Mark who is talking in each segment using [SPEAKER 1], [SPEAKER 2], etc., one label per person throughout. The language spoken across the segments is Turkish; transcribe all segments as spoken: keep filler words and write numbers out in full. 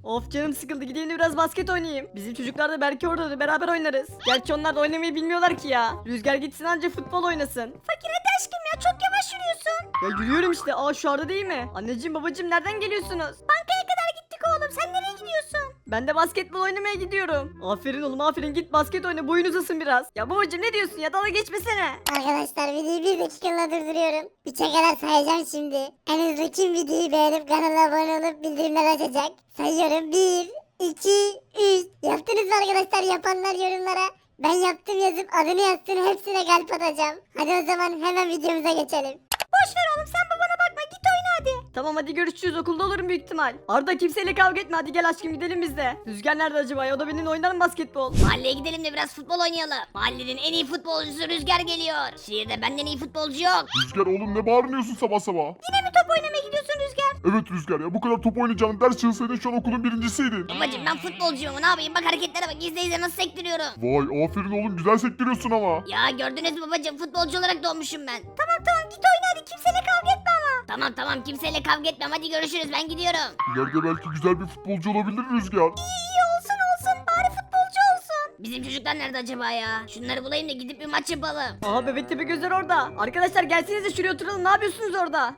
[SPEAKER 1] Of canım sıkıldı, gideyim de biraz basket oynayayım. Bizim çocuklar da belki orada da beraber oynarız. Gerçi onlar da oynamayı bilmiyorlar ki ya. Rüzgar gitsin anca futbol oynasın.
[SPEAKER 2] Fakir hadi aşkım ya çok yavaş yürüyorsun.
[SPEAKER 1] Ya yürüyorum işte. Aa şu arada değil mi? Anneciğim babacığım nereden geliyorsunuz?
[SPEAKER 2] Bankaya kadar gittik oğlum sen nereye gidiyorsun?
[SPEAKER 1] Ben de basketbol oynamaya gidiyorum. Aferin oğlum aferin, git basket oyna, boyun uzasın biraz. Ya babacığım ne diyorsun ya, dalga geçmesene.
[SPEAKER 3] Arkadaşlar videoyu bir dakikalığına durduruyorum. Üçe kadar sayacağım şimdi. En hızlı kim videoyu beğenip kanala abone olup bildirimler açacak? Sayıyorum. bir, iki, üç. Yaptınız mı arkadaşlar? Yapanlar yorumlara ben yaptım yazıp adını yazsın, hepsine kalp atacağım. Hadi o zaman hemen videomuza geçelim.
[SPEAKER 2] Boş ver oğlum sen babana bakma git oyna hadi.
[SPEAKER 1] Tamam hadi görüşürüz, okulda olurum büyük ihtimal. Arda kimseyle kavga etme, hadi gel aşkım gidelim biz de. Rüzgar nerede acaba ya, o da benimle oynar mı basketbol?
[SPEAKER 2] Mahalleye gidelim de biraz futbol oynayalım. Mahallenin en iyi futbolcusu Rüzgar geliyor. Şehirde benden iyi futbolcu yok.
[SPEAKER 4] Rüzgar oğlum ne bağırıyorsun sabah sabah?
[SPEAKER 2] Yine mi top oynamaya gidiyorsun Rüzgar?
[SPEAKER 4] Evet Rüzgar ya, bu kadar top oynayacağını ders çalışsaydın şu an okulun birincisiydin.
[SPEAKER 2] Babacım ben futbolcuyum ne yapayım bak hareketlere bak izle izle nasıl sektiriyorum.
[SPEAKER 4] Vay aferin oğlum, güzel sektiriyorsun ama.
[SPEAKER 2] Ya gördünüz mü babacım futbolcu olarak doğmuşum ben. Tamam tamam git oyna hadi kimseyle kavga etme ama. Tamam tamam kimseyle kavga etmem hadi görüşürüz ben gidiyorum.
[SPEAKER 4] İleride belki güzel bir futbolcu olabilir Rüzgar.
[SPEAKER 2] İyi olsun olsun bari futbolcu olsun. Bizim çocuklar nerede acaba ya? Şunları bulayım da gidip bir maç yapalım.
[SPEAKER 1] Aha bebek tepe gözler orada. Arkadaşlar gelsenize şuraya oturalım, ne yapıyorsunuz orada?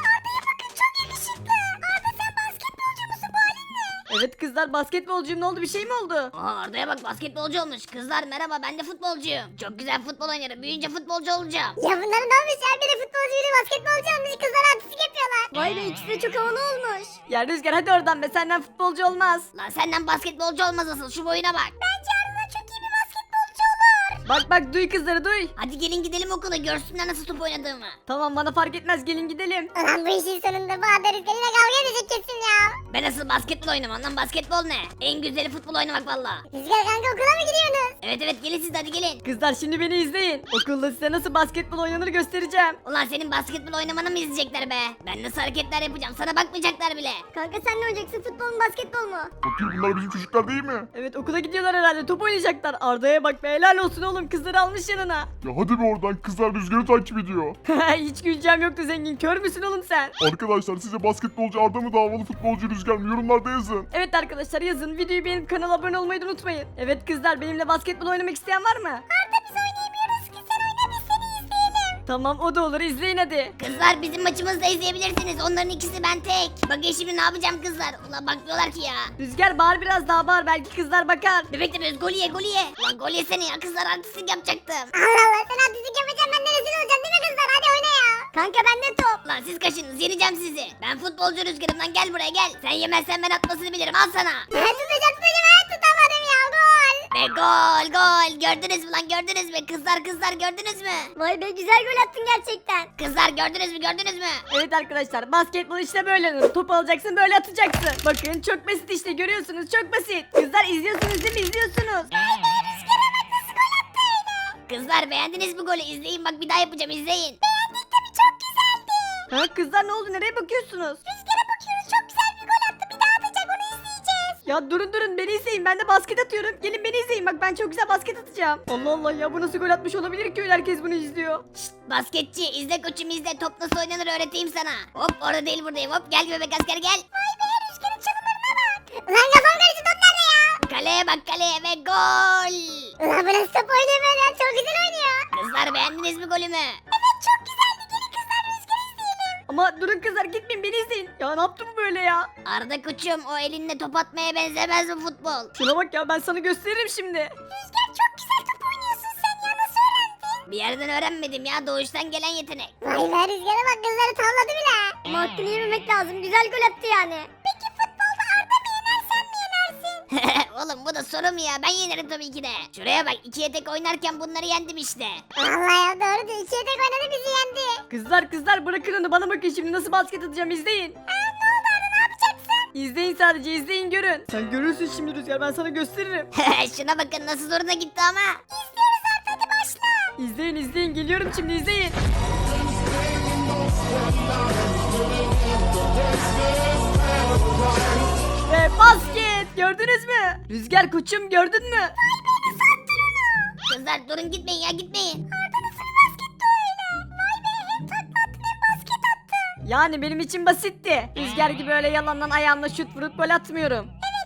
[SPEAKER 1] Evet kızlar, basketbolcuyum, ne oldu, bir şey mi oldu?
[SPEAKER 2] Aa Arda'ya bak basketbolcu olmuş. Kızlar merhaba ben de futbolcuyum. Çok güzel futbol oynarım. Büyüyünce futbolcu olacağım.
[SPEAKER 3] Ya bunların ne olmuş ya? Biri futbolcu biri basketbolcu olmuş. Kızlar artistik yapıyorlar. Vay be, ikisi de çok havalı olmuş.
[SPEAKER 1] Ya Rüzgar hadi oradan be, senden futbolcu olmaz.
[SPEAKER 2] Lan senden basketbolcu olmaz asıl şu boyuna bak.
[SPEAKER 3] Bence Arda çok iyi bir basketbolcu olur.
[SPEAKER 1] Bak bak duy kızları duy.
[SPEAKER 2] Hadi gelin gidelim okula görsünler nasıl top oynadığımı.
[SPEAKER 1] Tamam bana fark etmez, gelin gidelim.
[SPEAKER 3] Ulan bu işin sonunda bu Arda Rüzgar'ıyla kavga edecek kesin ya.
[SPEAKER 2] Ben asıl basketbol oynamam lan basketbol ne? En güzeli futbol oynamak valla.
[SPEAKER 3] Rüzgar kanka okula mı gidiyorsunuz?
[SPEAKER 2] Evet evet gelin siz de hadi gelin.
[SPEAKER 1] Kızlar şimdi beni izleyin. Okulda size nasıl basketbol oynanır göstereceğim.
[SPEAKER 2] Ulan senin basketbol oynamanı mı izleyecekler be? Ben nasıl hareketler yapacağım sana bakmayacaklar bile.
[SPEAKER 3] Kanka sen ne oynayacaksın, futbol mu basketbol mu?
[SPEAKER 4] Bakayım bunlar bizim çocuklar değil mi?
[SPEAKER 1] Evet okula gidiyorlar herhalde, top oynayacaklar. Arda'ya bak be, helal olsun oğlum, kızları almış yanına.
[SPEAKER 4] Ya hadi be oradan, kızlar Rüzgar'ı takip ediyor.
[SPEAKER 1] Hiç güleceğim yoktu zengin, kör müsün oğlum sen?
[SPEAKER 4] Arkadaşlar size basketbolcu Arda mı, davalı futbolcu Rüzgar mı, yorumlarda yazın.
[SPEAKER 1] Evet arkadaşlar yazın, videoyu beğenip kanala abone olmayı da unutmayın. Evet kızlar, benimle basketbol oynamak isteyen var mı?
[SPEAKER 3] Arda biz oynayamıyoruz ki, sen oyna biz seni izleyelim.
[SPEAKER 1] Tamam o da olur, izleyin hadi.
[SPEAKER 2] Kızlar bizim maçımızı da izleyebilirsiniz. Onların ikisi ben tek. Bakın şimdi ne yapacağım kızlar. Ulan bakmıyorlar ki ya.
[SPEAKER 1] Rüzgar bağır biraz daha bağır, belki kızlar bakar.
[SPEAKER 2] Bebek de böyle gol ye gol ye. Ulan gol yesene ya kızlar artistik yapacaktım.
[SPEAKER 3] Allah Allah, sen artistik yapacaksın, ben de rezil olacağım değil mi kızlar? Hadi oyna ya. Kanka bende top.
[SPEAKER 2] Lan siz kaşınız yeneceğim sizi. Ben futbolcu Rüzgar'ım lan gel buraya gel. Sen yemezsen ben atmasını bilirim al sana.
[SPEAKER 3] Ben tutacağım tutacağım, ben tutamadım ya, gol.
[SPEAKER 2] Ve gol gol gördünüz mü lan gördünüz mü? Kızlar kızlar gördünüz mü?
[SPEAKER 3] Vay be, güzel gol attın gerçekten.
[SPEAKER 2] Kızlar gördünüz mü gördünüz mü?
[SPEAKER 1] Evet arkadaşlar, basketbol işte böyle oynanır. Top alacaksın, böyle atacaksın. Bakın çok basit işte, görüyorsunuz, çok basit. Kızlar izliyorsunuz değil mi, izliyorsunuz.
[SPEAKER 2] Kızlar beğendiniz mi golü? İzleyin bak bir daha yapacağım izleyin.
[SPEAKER 3] Beğendik tabii, çok güzeldi.
[SPEAKER 1] Ha kızlar ne oldu, nereye bakıyorsunuz?
[SPEAKER 3] Rüzgara bakıyoruz, çok güzel bir gol attı, bir daha atacak, onu izleyeceğiz.
[SPEAKER 1] Ya durun durun, beni izleyin, ben de basket atıyorum. Gelin beni izleyin, bak ben çok güzel basket atacağım. Allah Allah ya, bu nasıl gol atmış olabilir ki öyle, herkes bunu izliyor.
[SPEAKER 2] Şşt basketçi izle koçum izle top nasıl oynanır öğreteyim sana. Hop orada değil buradayım hop gel bebek asker gel.
[SPEAKER 3] Vay be, Rüzgar'ın çalımlarına bak. Ulan kafam karıştı, top nerede ya?
[SPEAKER 2] Kaleye bak kaleye ve gol.
[SPEAKER 3] Ulan bu nasıl top oynuyor böyle ya, çok güzel oynuyor.
[SPEAKER 2] Kızlar beğendiniz mi golümü?
[SPEAKER 3] Evet çok güzeldi, gelin kızlar Rüzgar'ı izleyelim.
[SPEAKER 1] Ama durun kızlar, gitmeyin, beni izleyin. Ya ne yaptı bu böyle ya?
[SPEAKER 2] Arda koçum o elinle top atmaya benzemez mi futbol?
[SPEAKER 1] Şuna bak ya, ben sana gösteririm şimdi.
[SPEAKER 3] Rüzgar çok güzel top oynuyorsun sen ya, nasıl öğrendin?
[SPEAKER 2] Bir yerden öğrenmedim ya doğuştan gelen yetenek.
[SPEAKER 3] Vay be, Rüzgar'a bak, kızları tavladı bile. Ama hakkını yememek lazım, güzel gol attı yani. Peki futbolda Arda mı yener, sen mi yenersin?
[SPEAKER 2] Oğlum bu da soru mu ya ben yenerim tabii ki de. Şuraya bak ikiye tek oynarken bunları yendim işte.
[SPEAKER 3] Vallahi ya, doğru diyor, ikiye tek oynadı bizi yendi.
[SPEAKER 1] Kızlar kızlar bırakın onu, bana bakın şimdi nasıl basket atacağım, izleyin.
[SPEAKER 3] Aa, ne oldu Arda, ne yapacaksın?
[SPEAKER 1] İzleyin sadece, izleyin görün. Sen görürsün şimdi Rüzgar, ben sana gösteririm.
[SPEAKER 2] Şuna bakın nasıl zoruna gitti ama.
[SPEAKER 3] İzliyoruz Arda, hadi başla.
[SPEAKER 1] İzleyin izleyin, geliyorum şimdi, izleyin. Ve basket, gördünüz mü? Rüzgar koçum, gördün mü?
[SPEAKER 2] Kızlar durun gitmeyin ya gitmeyin.
[SPEAKER 3] Arda nasıl bir basketti öyle? Vay be, hem takla attın hem basket attın.
[SPEAKER 1] Yani benim için basitti. Rüzgar gibi öyle yalandan ayağımla şut vurup gol atmıyorum.
[SPEAKER 3] Evet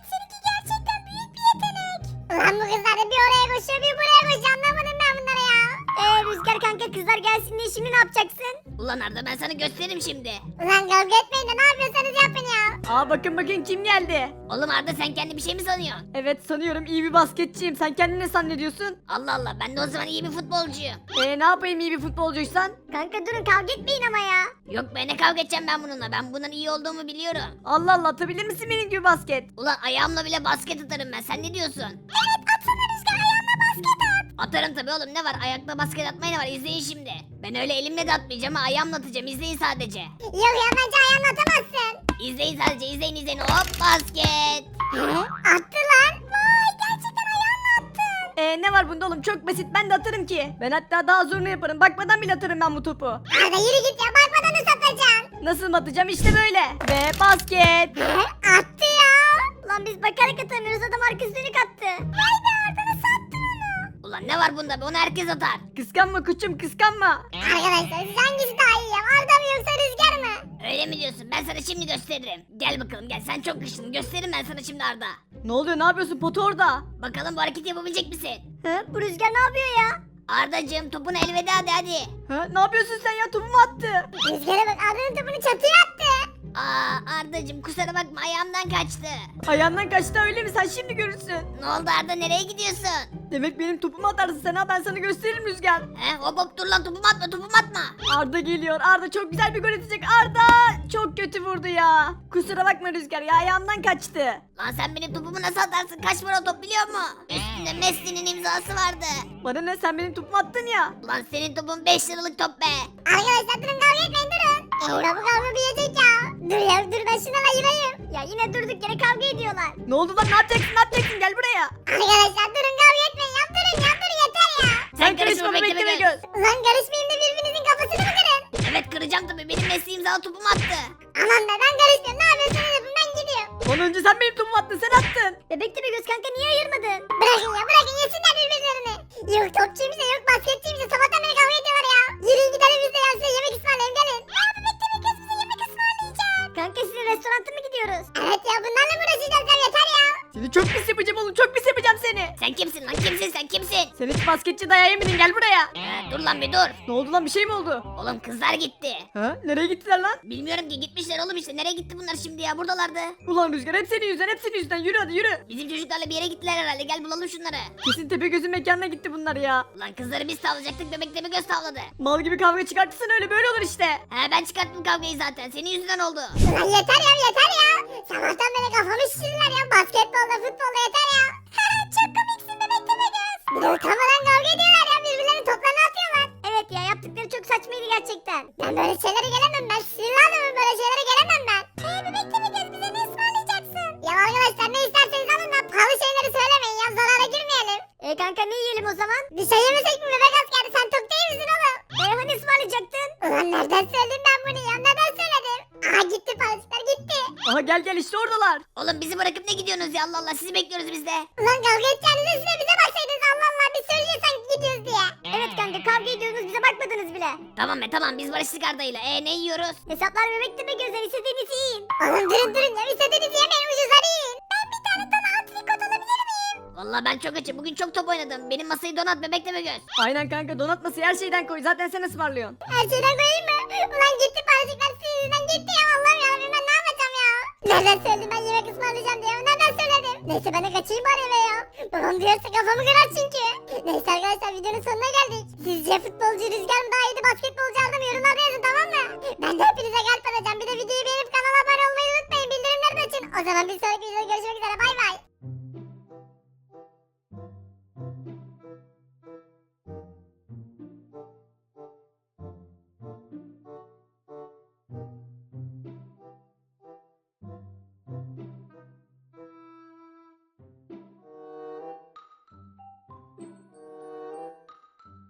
[SPEAKER 3] Ulan bu kızlar da bir oraya koşuyor bir buraya koşuyor anlamadım ben bunları ya.
[SPEAKER 2] Eee Rüzgar kanka kızlar gelsin diye şimdi ne yapacaksın? Ulan Arda ben sana gösteririm şimdi.
[SPEAKER 3] Ulan kavga etmeyin de ne yapıyorsanız yapın ya.
[SPEAKER 1] Aa bakın bakın kim geldi.
[SPEAKER 2] Oğlum Arda sen kendi bir şey mi sanıyorsun?
[SPEAKER 1] Evet sanıyorum iyi bir basketçiyim. Sen kendini ne zannediyorsun?
[SPEAKER 2] Allah Allah ben de o zaman iyi bir futbolcuyum.
[SPEAKER 1] Ee ne yapayım iyi bir futbolcuysan?
[SPEAKER 3] Kanka durun kavga etmeyin ama ya.
[SPEAKER 2] Yok be ne kavga edeceğim ben bununla. Ben bundan iyi olduğumu biliyorum.
[SPEAKER 1] Allah Allah atabilir misin benim gibi basket?
[SPEAKER 2] Ulan ayağımla bile basket atarım ben. Sen ne diyorsun?
[SPEAKER 3] Evet atsana Rüzgar ayağına basket at.
[SPEAKER 2] Atarım tabii oğlum ne var? Ayakla basket atmaya ne var? İzleyin şimdi. Ben öyle elimle de atmayacağım ha ayağımla atacağım. İzleyin sadece.
[SPEAKER 3] Yok ya bence ayağına atamazsın.
[SPEAKER 2] İzleyin sadece izleyin izleyin. Hop basket.
[SPEAKER 3] Hı? Attı lan. Vay gerçekten ayağına attın.
[SPEAKER 1] Ee ne var bunda oğlum çok basit ben de atarım ki. Ben hatta daha zorunu yaparım. Bakmadan bile atarım ben bu topu.
[SPEAKER 3] Arda yürü git ya bakmadan nasıl atacaksın?
[SPEAKER 1] Nasıl mı atacağım işte böyle. Ve basket.
[SPEAKER 3] Hı? Attı ya.
[SPEAKER 2] Ulan biz bakarak atamıyoruz adam arkası dönük attı.
[SPEAKER 3] Vay be Arda nasıl attın onu?
[SPEAKER 2] Ulan ne var bunda be onu herkes atar.
[SPEAKER 1] Kıskanma koçum kıskanma.
[SPEAKER 3] Arkadaşlar siz hangisi daha iyi ya? Arda mı yoksa Rüzgar mı?
[SPEAKER 2] Öyle mi diyorsun? Ben sana şimdi gösteririm. Gel bakalım gel sen çok güçlüsün. Gösteririm ben sana şimdi Arda.
[SPEAKER 1] Ne oluyor ne yapıyorsun potu orada?
[SPEAKER 2] Bakalım bu hareketi yapabilecek misin?
[SPEAKER 3] Hı? Bu Rüzgar ne yapıyor ya?
[SPEAKER 2] Ardacığım topuna elveda hadi hadi.
[SPEAKER 1] Ha, ne yapıyorsun sen ya topumu attı.
[SPEAKER 3] Rüzgar'a bak Arda'nın topunu çatıya attı.
[SPEAKER 2] Aa Ardacığım kusura bakma ayağımdan kaçtı.
[SPEAKER 1] Ayağından kaçtı öyle mi sen şimdi görürsün.
[SPEAKER 2] Ne oldu Arda nereye gidiyorsun?
[SPEAKER 1] Demek benim topumu atarsın sen ha ben sana gösteririm Rüzgar.
[SPEAKER 2] He hop hop dur lan topumu atma topumu atma.
[SPEAKER 1] Arda geliyor Arda çok güzel bir gol atacak Arda. Çok kötü vurdu ya. Kusura bakma Rüzgar ya ayağımdan kaçtı.
[SPEAKER 2] Lan sen benim topumu nasıl atarsın kaç para o top biliyor musun? Üstünde Messi'nin imzası vardı.
[SPEAKER 1] Bana ne sen benim topumu attın ya.
[SPEAKER 2] Lan senin topun beş liralık top be.
[SPEAKER 3] Arkadaşlar durun kavga etmeyin durun. Eee bu kavga bitecek ya. Dur ya dur ben şuna ayırayım. Ya yine durduk yere kavga ediyorlar.
[SPEAKER 1] Ne oldu lan ne yapacaksın ne yapacaksın gel buraya.
[SPEAKER 3] Arkadaşlar durun kavga etmeyin ya durun ya dur yeter ya.
[SPEAKER 1] Sen karışma
[SPEAKER 2] bekle,
[SPEAKER 1] bekleme
[SPEAKER 2] bekle.
[SPEAKER 1] göz.
[SPEAKER 3] Ulan karışmayayım da birbirinizin kafasını mı kırın?
[SPEAKER 2] Evet kıracağım tabii benim Messi imzalı topumu attı.
[SPEAKER 3] Aman be ben karışmıyorum ne yapıyorsunuz yapın ben gidiyorum.
[SPEAKER 1] Ondan önce sen benim topumu attın sen attın.
[SPEAKER 3] Bebek de bir göz kanka niye ayırmadın? Bırakın ya bırakın yesinler birbirlerini. Yok topçuymuş da yok basketçiymiş de sabahtan beri kavga ediyorlar ya. Yürüyün gidelim biz de ya size yemek ısmarlayayım gelin. Aa bebek de bir göz bize yemek ısmarlayacak. Kanka sizin restoranta mı gidiyoruz? Evet ya bunlarla mı uğraşacağız ya yeter ya.
[SPEAKER 1] Seni çok pis yapacağım oğlum çok pis yapacağım seni.
[SPEAKER 2] Sen kimsin lan kimsin sen kimsin?
[SPEAKER 1] Sen hiç basketçi dayağı yemedin gel buraya.
[SPEAKER 2] He, dur lan bir dur.
[SPEAKER 1] Ne oldu lan bir şey mi oldu?
[SPEAKER 2] Oğlum kızlar gitti.
[SPEAKER 1] Ha nereye gittiler lan?
[SPEAKER 2] Bilmiyorum ki gitmişler oğlum işte nereye gitti bunlar şimdi ya buradalardı.
[SPEAKER 1] Ulan Rüzgar hep senin yüzünden hep senin yüzünden yürü hadi yürü.
[SPEAKER 2] Bizim çocuklarla bir yere gittiler herhalde gel bulalım şunları.
[SPEAKER 1] Kesin Tepegöz'ün mekanına gitti bunlar ya.
[SPEAKER 2] Ulan kızları biz tavlayacaktık bebekle mi göz tavladı.
[SPEAKER 1] Mal gibi kavga çıkartırsan öyle böyle olur işte.
[SPEAKER 2] He ben çıkarttım kavgayı zaten senin yüzünden oldu.
[SPEAKER 3] Ulan yeter ya yeter ya. Sabahtan beri kafamı şişirdiler ya basketbolda futbolda yeter ya. Çok komiksin bebek de bir göz. Bir de utanmadan kavga ediyorlar ya birbirlerinin toplarını atıyorlar. Evet ya yaptıkları çok saçmaydı gerçekten. Ben böyle şeylere gelemem ben sinirli adamım böyle şeylere gelemem ben. Eee bebek de bir göz bize ne ısmarlayacaksın? Ya arkadaşlar ne isterseniz alın da pahalı şeyleri söylemeyin ya zarara girmeyelim. E kanka ne yiyelim o zaman? Bir şey yemesek mi bebek askeri sen tok değil misin oğlum? E hani ısmarlayacaktın? Ulan nereden söyledim ben bunu ya neden söyledim? Aha gitti paraşütler gitti.
[SPEAKER 1] Aha gel gel işte oradalar.
[SPEAKER 2] Oğlum bizi bırakıp ne gidiyorsunuz ya Allah Allah sizi bekliyoruz biz de.
[SPEAKER 3] Ulan kavga edeceğinize size bize baksaydınız Allah Allah biz söyleyeceğiz sanki gidiyoruz diye. Evet kanka kavga ediyorsunuz bize bakmadınız bile.
[SPEAKER 2] Tamam be tamam biz barıştık Arda'yla. E ne yiyoruz?
[SPEAKER 3] Hesaplar bebekte mi gözler istediğinizi yiyin. Oğlum durun durun ya istediğinizi yemeyin ucuzları yiyin. Ben bir tane dana antrikot alabilir miyim?
[SPEAKER 2] Vallahi ben çok açım. Bugün çok top oynadım. Benim masayı donat bebekle mi göz?
[SPEAKER 1] Aynen kanka donatması her şeyden koy zaten sen ısmarlıyorsun.
[SPEAKER 3] Her şeyden koyayım mı? Ulan gitti paracıklar sizden gitti ya Allah'ım yarabbim ben ne yapacağım ya? Nereden söyledim ben yemek ısmarlayacağım diye nereden söyledim? Neyse ben de kaçayım bari eve ya. Babam duyarsa kafamı kırar çünkü. Neyse arkadaşlar videonun sonuna geldik. Sizce futbolcu Rüzgar mı daha iyiydi basketbolcu Arda mı yorumlarda